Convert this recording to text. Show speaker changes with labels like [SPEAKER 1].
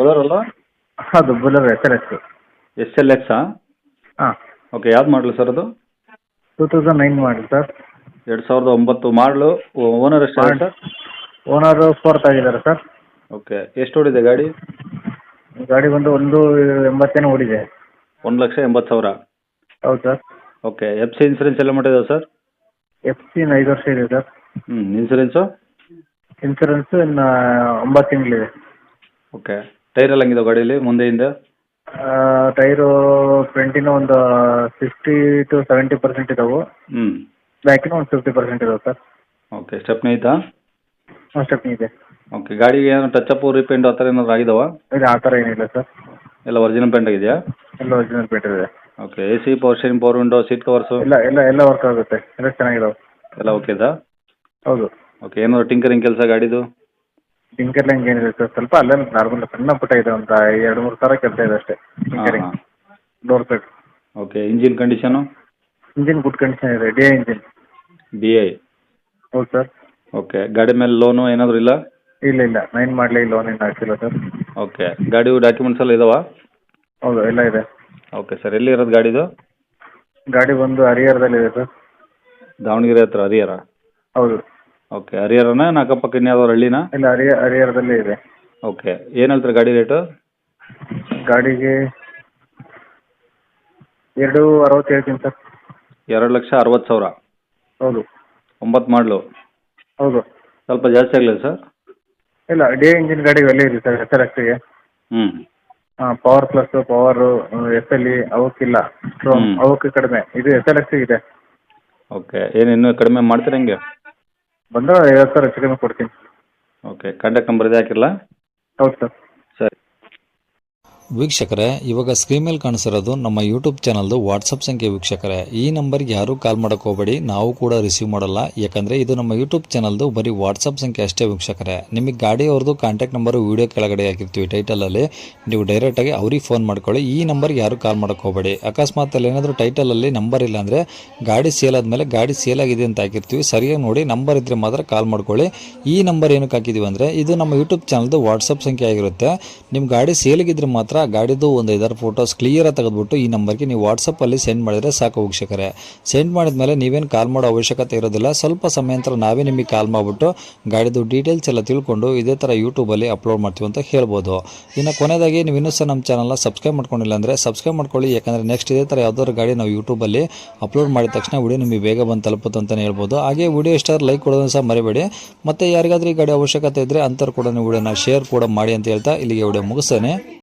[SPEAKER 1] ಬೊಲೋರೋ ಅಲ್ವಾ?
[SPEAKER 2] ಅದು ಬುಲರ್ SLX.
[SPEAKER 1] SLX?
[SPEAKER 2] ಹಾಂ,
[SPEAKER 1] ಓಕೆ, ಯಾವ್ದು ಮಾಡಲು ಸರ್ ಅದು?
[SPEAKER 2] 2009 ಮಾಡಲ್ ಸರ್.
[SPEAKER 1] 2009 ಮಾಡಲು. ಓನರ್ ಎಷ್ಟಾಗಿದೆ ಸರ್?
[SPEAKER 2] ಓನರು 4th ಆಗಿದ್ದಾರೆ ಸರ್.
[SPEAKER 1] ಓಕೆ, ಎಷ್ಟು ಓಡಿದೆ ಗಾಡಿ?
[SPEAKER 2] ಗಾಡಿ ಬಂದು 180 ಓಡಿದೆ.
[SPEAKER 1] 1,80,000.
[SPEAKER 2] ಹೌದು ಸರ್.
[SPEAKER 1] ಓಕೆ, FC ಇನ್ಸೂರೆನ್ಸ್ ಎಲ್ಲ ಮಾಡಿದೆ ಸರ್?
[SPEAKER 2] FC ಇನ್ನು 5 ವರ್ಷ ಇದೆ ಸರ್.
[SPEAKER 1] ಇನ್ಸೂರೆನ್ಸು?
[SPEAKER 2] ಇನ್ಸೂರೆನ್ಸ್ ಇನ್ನು 9 ತಿಂಗಳಿದೆ.
[SPEAKER 1] ಓಕೆ, ಟೈರ್ ಎಲ್ಲ ಹಂಗಿದೆ ಗಾಡೀಲಿ ಮುಂದೆಯಿಂದ?
[SPEAKER 2] ಟೈರು ಫ್ರಂಟಿನ ಒಂದು 60-70% ಇದಾವೆ. ಬ್ಯಾಕಿನ ಒಂದು 50% ಇದಾವೆ ಸರ್.
[SPEAKER 1] ಓಕೆ, ಸ್ಟೆಪ್ನಿ ಐತಾ?
[SPEAKER 2] ಸ್ಟೆಪ್ನಿ ಇದೆ.
[SPEAKER 1] ಓಕೆ, ಗಾಡಿಗೆ ಏನು ಟಚ್ ರೀಪೇಂಟ್ ಆ ಥರ ಏನಾದ್ರು ಆಗಿದಾವ?
[SPEAKER 2] ಇದು ಆ ಥರ ಏನಿಲ್ಲ ಸರ್.
[SPEAKER 1] ಎಲ್ಲ ಒರಿಜಿನಲ್ ಪೇಂಟ್ ಆಗಿದೆಯಾ?
[SPEAKER 2] ಎಲ್ಲ ಒರಿಜಿನಲ್ ಪೇಂಟ್ ಇದೆ.
[SPEAKER 1] Okay, AC, power steering, power window, seat covers
[SPEAKER 2] ಎಲ್ಲ ವರ್ಕ್ ಆಗುತ್ತೆ. ಎಲ್ಲ ಚೆನ್ನಾಗಿದಾವೆ.
[SPEAKER 1] ಎಲ್ಲ ಓಕೆದಾ?
[SPEAKER 2] ಹೌದು.
[SPEAKER 1] ಓಕೆ, ಏನಾದ್ರು ಟಿಂಕರಿಂಗ್ ಕೆಲಸ ಗಾಡಿದು?
[SPEAKER 2] ಟಿಂಕರಿಂಗ್ ಏನಿದೆ ಸರ್, ಸ್ವಲ್ಪ ಅಲ್ಲೇ ನಾರ್ಮಲ್ ಸಣ್ಣ ಪುಟ್ಟ ಇದೆ, ಒಂದು 2-3 ಸಾವಿರ ಕೆಲಸ ಇದೆ ಅಷ್ಟೇ tinkering. Door set.
[SPEAKER 1] Okay, engine condition?
[SPEAKER 2] Engine good condition ಇದೆ, DI ಇಂಜಿನ್.
[SPEAKER 1] DI?
[SPEAKER 2] ಹೌದು ಸರ್.
[SPEAKER 1] ಓಕೆ, ಗಾಡಿ ಮೇಲೆ ಲೋನು ಏನಾದರೂ ಇಲ್ಲ?
[SPEAKER 2] ಇಲ್ಲ 9 ಮಾಡಲಿ ಲೋನ್ ಏನು ಹಾಕಿಲ್ಲ ಸರ್.
[SPEAKER 1] ಓಕೆ, ಗಾಡಿ ಡಾಕ್ಯುಮೆಂಟ್ಸ್ ಎಲ್ಲ ಇದಾವಾ?
[SPEAKER 2] ಹೌದು, ಎಲ್ಲ ಇದೆ.
[SPEAKER 1] ಓಕೆ ಸರ್, ಎಲ್ಲಿ ಇರೋದು ಗಾಡಿದು?
[SPEAKER 2] ಗಾಡಿ ಬಂದು ಹರಿಹರದಲ್ಲಿದೆ ಸರ್.
[SPEAKER 1] ದಾವಣಗೆರೆ ಹತ್ರ ಹರಿಹರ?
[SPEAKER 2] ಹೌದು.
[SPEAKER 1] ಓಕೆ, ಹರಿಹರನ ಅಕ್ಕಪಕ್ಕ ಇನ್ಯಾವ್ದಾದ್ರು ಹಳ್ಳಿನಾ?
[SPEAKER 2] ಇಲ್ಲ, ಹರಿಹರದಲ್ಲೇ ಇದೆ.
[SPEAKER 1] ಓಕೆ, ಏನು ಹೇಳ್ತಾರೆ ಗಾಡಿ ರೇಟು?
[SPEAKER 2] ಗಾಡಿಗೆ 2.60 ಹೇಳ್ತೀನಿ ಸರ್.
[SPEAKER 1] 2,60,000?
[SPEAKER 2] ಹೌದು.
[SPEAKER 1] 9 ಮಾಡಲು?
[SPEAKER 2] ಹೌದು.
[SPEAKER 1] ಸ್ವಲ್ಪ ಜಾಸ್ತಿ ಆಗಲಿಲ್ಲ ಸರ್?
[SPEAKER 2] ಇಲ್ಲ, DI ಇಂಜಿನ್ ಗಾಡಿಗೆ ಒಳ್ಳೆ ಇದೆ ಸರ್. SLXಗೆ ಪವರ್ ಪ್ಲಸ್, ಪವರು, SLE ಅವಕ್ಕಿಲ್ಲ. ಅವಕ್ಕೆ ಕಡಿಮೆ. ಇದು SLX ಇದೆ.
[SPEAKER 1] ಓಕೆ, ಏನು ಇನ್ನೂ ಕಡಿಮೆ ಮಾಡ್ತೀರಾ ಹೆಂಗೆ?
[SPEAKER 2] ಬಂದರೆ 50,000 ಹೆಚ್ಚು ಕಡಿಮೆ ಕೊಡ್ತೀನಿ.
[SPEAKER 1] ಓಕೆ, ಕಾಂಟ್ಯಾಕ್ಟ್ ನಂಬರ್ ಇದೆ ಹಾಕಿರಲಾ?
[SPEAKER 2] ಹೌದು ಸರ್.
[SPEAKER 1] ಸರಿ
[SPEAKER 3] ವೀಕ್ಷಕರೇ, ಇವಾಗ ಸ್ಕ್ರೀನ್ ಮೇಲೆ ಕಾಣಿಸಿರೋದು ನಮ್ಮ ಯೂಟ್ಯೂಬ್ ಚಾನಲ್ದು ವಾಟ್ಸಪ್ ಸಂಖ್ಯೆ. ವೀಕ್ಷಕರೇ, ಈ ನಂಬರ್ಗೆ ಯಾರೂ ಕಾಲ್ ಮಾಡೋಕೆ ಹೋಗಬೇಡಿ, ನಾವು ಕೂಡ ರಿಸೀವ್ ಮಾಡಲ್ಲ. ಯಾಕಂದರೆ ಇದು ನಮ್ಮ ಯೂಟ್ಯೂಬ್ ಚಾನಲ್ದು ಬರೀ ವಾಟ್ಸಪ್ ಸಂಖ್ಯೆ ಅಷ್ಟೇ. ವೀಕ್ಷಕರೇ, ನಿಮಗೆ ಗಾಡಿಯವ್ರದ್ದು ಕಾಂಟ್ಯಾಕ್ಟ್ ನಂಬರು ವೀಡಿಯೋ ಕೆಳಗಡೆ ಹಾಕಿರ್ತೀವಿ ಟೈಟಲಲ್ಲಿ, ನೀವು ಡೈರೆಕ್ಟಾಗಿ ಅವ್ರಿಗೆ ಫೋನ್ ಮಾಡ್ಕೊಳ್ಳಿ. ಈ ನಂಬರ್ಗೆ ಯಾರೂ ಕಾಲ್ ಮಾಡೋಕೆ ಹೋಗಬೇಡಿ. ಅಕಸ್ಮಾತ್ ಅಲ್ಲಿ ಏನಾದರೂ ಟೈಟಲಲ್ಲಿ ನಂಬರ್ ಇಲ್ಲ ಅಂದರೆ ಗಾಡಿ ಸೇಲ್ ಆದಮೇಲೆ ಗಾಡಿ ಸೇಲ್ ಆಗಿದೆ ಅಂತ ಹಾಕಿರ್ತೀವಿ, ಸರಿಯಾಗಿ ನೋಡಿ ನಂಬರ್ ಇದ್ದರೆ ಮಾತ್ರ ಕಾಲ್ ಮಾಡ್ಕೊಳ್ಳಿ. ಈ ನಂಬರ್ ಏನಕ್ಕೆ ಹಾಕಿದ್ದೀವಿ ಅಂದರೆ ಇದು ನಮ್ಮ ಯೂಟ್ಯೂಬ್ ಚಾನಲ್ದು ವಾಟ್ಸಪ್ ಸಂಖ್ಯೆ ಆಗಿರುತ್ತೆ. ನಿಮ್ಮ ಗಾಡಿ ಸೇಲಿಗಿದ್ರೆ ಮಾತ್ರ ಗಾಡಿದು ಒಂದು 5 ಫೋಟೋಸ್ ಕ್ಲಿಯರಾಗಿ ತೆಗೆದುಬಿಟ್ಟು ಈ ನಂಬರ್ಗೆ ನೀವು ವಾಟ್ಸಪ್ಪಲ್ಲಿ ಸೆಂಡ್ ಮಾಡಿದರೆ ಸಾಕು. ವೀಕ್ಷಕರೇ, ಸೆಂಡ್ ಮಾಡಿದ್ಮೇಲೆ ನೀವೇನು ಕಾಲ್ ಮಾಡೋ ಅವಶ್ಯಕತೆ ಇರೋದಿಲ್ಲ. ಸ್ವಲ್ಪ ಸಮಯ ನಂತರ ನಾವೇ ನಿಮಗೆ ಕಾಲ್ ಮಾಡಿಬಿಟ್ಟು ಗಾಡಿದು ಡೀಟೇಲ್ಸ್ ಎಲ್ಲ ತಿಳ್ಕೊಂಡು ಇದೇ ಥರ ಯೂಟ್ಯೂಬಲ್ಲಿ ಅಪ್ಲೋಡ್ ಮಾಡ್ತೀವಿ ಅಂತ ಹೇಳ್ಬೋದು. ಇನ್ನು ಕೊನೆಯದಾಗಿ ನೀವು ಇನ್ನೂ ಸಹ ನಮ್ಮ ಚಾನಲ್ನ ಸಬ್ಸ್ಕ್ರೈಬ್ ಮಾಡ್ಕೊಂಡಿಲ್ಲ ಅಂದರೆ ಸಬ್ಸ್ಕ್ರೈಬ್ ಮಾಡ್ಕೊಳ್ಳಿ. ಯಾಕಂದರೆ ನೆಕ್ಸ್ಟ್ ಇದೇ ಥರ ಯಾವ್ದಾದ್ರು ಗಾಡಿ ನಾವು ಯೂಟ್ಯೂಬಲ್ಲಿ ಅಪ್ಲೋಡ್ ಮಾಡಿದ ತಕ್ಷಣ ವಿಡಿಯೋ ನಿಮಗೆ ಬೇಗ ಬಂದು ತಲುಪುತ್ತೆ ಅಂತಲೇ ಹೇಳ್ಬೋದು. ಹಾಗೆ ವಿಡಿಯೋ ಇಷ್ಟ ಲೈಕ್ ಕೊಡೋದನ್ನು ಸಹ ಮರಿಬೇಡಿ. ಮತ್ತು ಯಾರಿಗಾದ್ರೂ ಈ ಗಾಡಿ ಅವಶ್ಯಕತೆ ಇದ್ದರೆ ಅಂಥವ್ರು ಕೂಡ ನೀವು ವಿಡಿಯೋನ ಶೇರ್ ಕೂಡ ಮಾಡಿ ಅಂತ ಹೇಳ್ತಾ ಇಲ್ಲಿಗೆ ವಿಡಿಯೋ ಮುಗಿಸ್ತೇನೆ.